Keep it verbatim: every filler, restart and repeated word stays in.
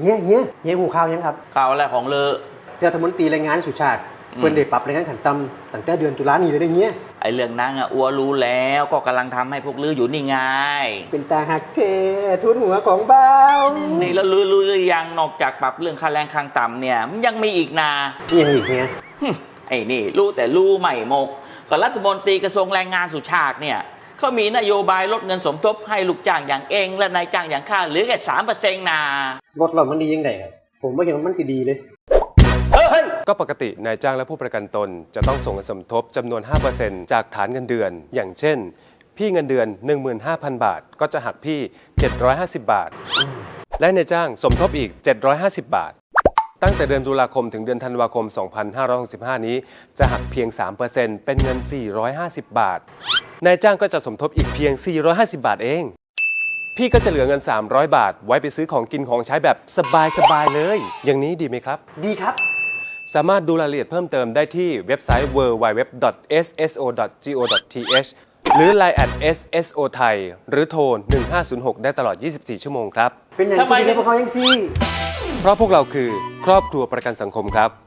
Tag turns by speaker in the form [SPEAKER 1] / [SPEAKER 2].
[SPEAKER 1] ฮียเฮียเฮียหูข่าวยังครับ
[SPEAKER 2] ข่าวอะไรของเลอ
[SPEAKER 1] รัฐมนตรีแรงงานสุชาติเพิ่นได้ปรับแรงงานขั้นต่ำตั้งแต่เดือนตุลานี้เลยได้เฮีย
[SPEAKER 2] ไอ้เรื่องนั้นอ่ะอัวรู้แล้วก็กำลังทำให้พวกลืออยู่นี่ไง
[SPEAKER 1] เป็นตาหักเททุนหัวของเบา
[SPEAKER 2] นี่แล้วลือรู้หรือยังนอกจากปรับเรื่องค่าแรงขั้นต่ำเนี่ยมันยังมีอีกนะ
[SPEAKER 1] ยังอีกเฮีย
[SPEAKER 2] ไอ้นี่รู้แต่รู้ไม่หมกก็รัฐมนตรีกระทรวงแรงงานสุชาติเนี่ยเขามีนโยบายลดเงินสมทบให้ลูกจ้างอย่างเองและนายจ้างอย่างข้าเหลือแค่สามเปอร์เซ็นต์นะ
[SPEAKER 1] ลดหล่อนมันดียังไงครับผมว่าเห็นมันคือดีเลย
[SPEAKER 3] ก็ปกตินายจ้างและผู้ประกันตนจะต้องส่งเงินสมทบจำนวน ห้าเปอร์เซ็นต์ จากฐานเงินเดือน อย่างเช่นพี่เงินเดือน หนึ่งหมื่นห้าพัน บาทก็จะหักพี่เจ็ดร้อยห้าสิบบาทและนายจ้างสมทบอีกเจ็ดร้อยห้าสิบบาทตั้งแต่เดือนตุลาคมถึงเดือนธันวาคมสองพันห้าร้อยหกสิบห้านี้จะหักเพียง สามเปอร์เซ็นต์ เป็นเงินสี่ร้อยห้าสิบบาทนายจ้างก็จะสมทบอีกเพียงสี่ร้อยห้าสิบบาทเองพี่ก็จะเหลือเงินสามร้อยบาทไว้ไปซื้อของกินของใช้แบบสบายๆเลยอย่างนี้ดีไหมครับ
[SPEAKER 1] ดีครับ
[SPEAKER 3] สามารถดูรายละเอียดเพิ่มเติมได้ที่เว็บไซต์ ดับเบิลยู ดับเบิลยู ดับเบิลยู ดอท เอส เอส โอ ดอท จี โอ ดอท ที เอช หรือ ไลน์ แอท เอส เอส โอ ไทย หรือโทร หนึ่งห้าศูนย์หก ได้ตลอด ยี่สิบสี่ ชั่วโมงครับ
[SPEAKER 1] เป็นอย่างที่ดีพวกเขายังซี
[SPEAKER 3] เพราะพวกเราคือครอบครัวประกันสังคมครับ